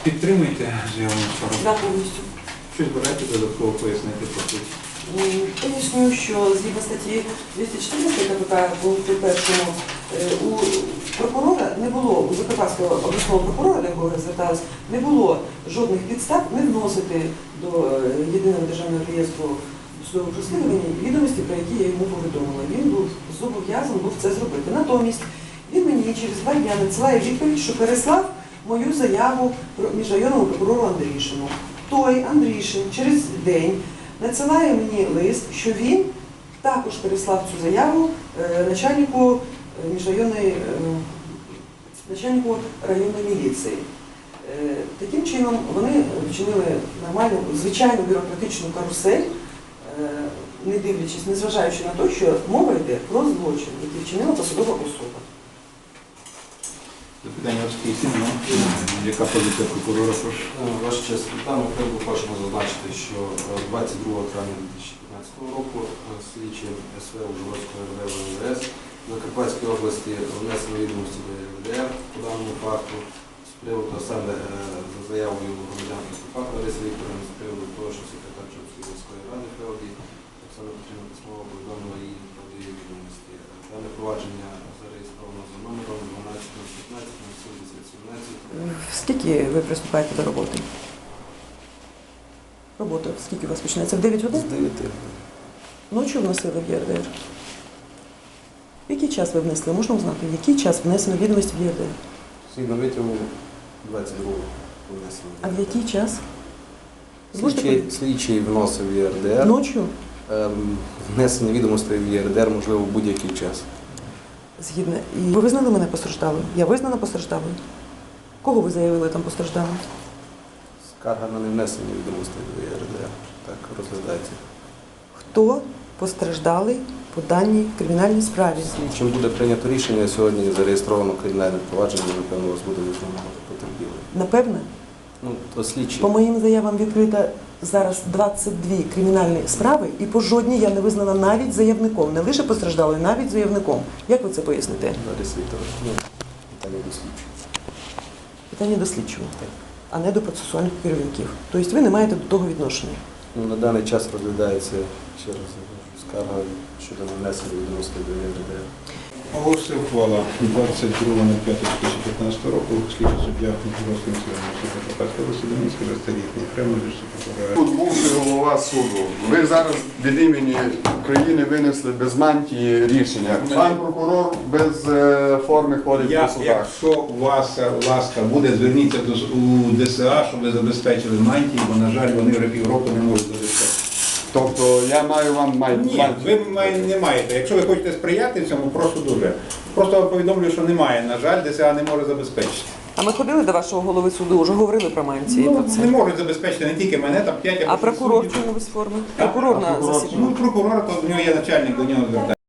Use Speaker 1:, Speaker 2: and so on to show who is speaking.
Speaker 1: Підтримуєте заяву сторону?
Speaker 2: Да, повністю.
Speaker 1: Щось збираєте додатково пояснити по суті?
Speaker 2: Поясню, що згідно статті 214 КПК пункту 1 у прокурора не було, у Закарпатського обласного прокурора, до якого я зверталась, не було жодних підстав не вносити до єдиного державного реєстру судових розслідувань відомості, про які я йому повідомила. Він був зобов'язаний це зробити. Натомість він мені через 2 дні надсилає відповідь, що переслав мою заяву міжрайонному прокурору Андрішину. Той Андрішин через день надсилає мені лист, що він також переслав цю заяву начальнику районної міліції. Таким чином вони вчинили нормальну, звичайну бюрократичну карусель, не дивлячись, незважаючи на те, що мова йде про злочин, який вчинила посадова особа.
Speaker 1: Запитання розписано. Яка позиція прокурора? Прошу.
Speaker 3: Ваша честь, в даному випадку хочемо зазначити, що 22 травня 2015 року слідчі СВ Ужгородської РДВ ВВС в Закарпатській області внесли відомості до ЄРДР по даному факту з приводу саме за заявою громадянки Степак Лариси Вікторівни з приводу того, що секретар Чопської міської ради Феоді Оксана Петрівна письмово повідомила її про її відомості. Дане провадження зареєстровано за номером 12.15.07.1017.
Speaker 2: Скільки ви приступаєте до роботи? Робота скільки у вас починається? В 9 годин?
Speaker 3: З 9.
Speaker 2: Ночі вносили в ЄРДР. В який час ви внесли? Можна узнати, в який час внесено відомості в ЄРДР?
Speaker 3: Згідно витягу 22-го внесено.
Speaker 2: А в який час?
Speaker 3: Слідчий вносив в ЄРДР.
Speaker 2: Ночі?
Speaker 3: Внесення відомостей в ЄРДР можливо в будь-який час.
Speaker 2: Згідно. І ви визнали мене постраждалою? Я визнана постраждалою? Кого ви заявили там постраждалою?
Speaker 3: Скарга на невнесення відомостей до ЄРДР. Так розглядається.
Speaker 2: Хто постраждалий по даній кримінальній справі?
Speaker 3: Чим буде прийнято рішення, сьогодні зареєстровано кримінальне провадження, напевно, у вас буде висновлено потерпілий.
Speaker 2: Напевне?
Speaker 3: Ну, то слідчі.
Speaker 2: По моїм заявам відкрита зараз 22 кримінальні справи, і по жодній я не визнана навіть заявником. Не лише постраждалою, навіть заявником. Як ви це поясните?
Speaker 3: Лариса Вікторівна, питання до слідчого.
Speaker 2: Питання до слідчого, а не до процесуальних керівників. Тобто ви не маєте до того відношення.
Speaker 3: Ну, на даний час розглядається, ще раз скарга щодо невнесення відомостей до ЄРДР.
Speaker 1: Оголосив ухвала 22.05.2015 року. Слідчий суддя Ужгородського міського суду Закарпатської області Домінський Розтарітний. Прямо від прокурора.
Speaker 4: Тут бувший голова суду. Ви зараз від імені України винесли без мантії рішення. Пан прокурор без форми ходить по судах.
Speaker 1: Якщо у вас ласка буде, зверніться у ДСА, щоб ви забезпечили мантії, бо, на жаль, вони вже півроку не можуть забезпечити.
Speaker 4: Тобто я маю вам мантію?
Speaker 1: Ні, ви не маєте. Якщо ви хочете сприяти цьому, прошу дуже. Просто повідомлю, що немає. На жаль, ДСА не може забезпечити.
Speaker 2: А ми ходили до вашого голови суду, вже говорили про мантії.
Speaker 1: Ну, не можуть забезпечити не тільки мене, там 5 або
Speaker 2: А
Speaker 1: 6
Speaker 2: прокурор
Speaker 1: суддів.
Speaker 2: чому без форми? Прокурор на засіданні.
Speaker 1: Ну, прокурор, то в нього є начальник, до нього звертається.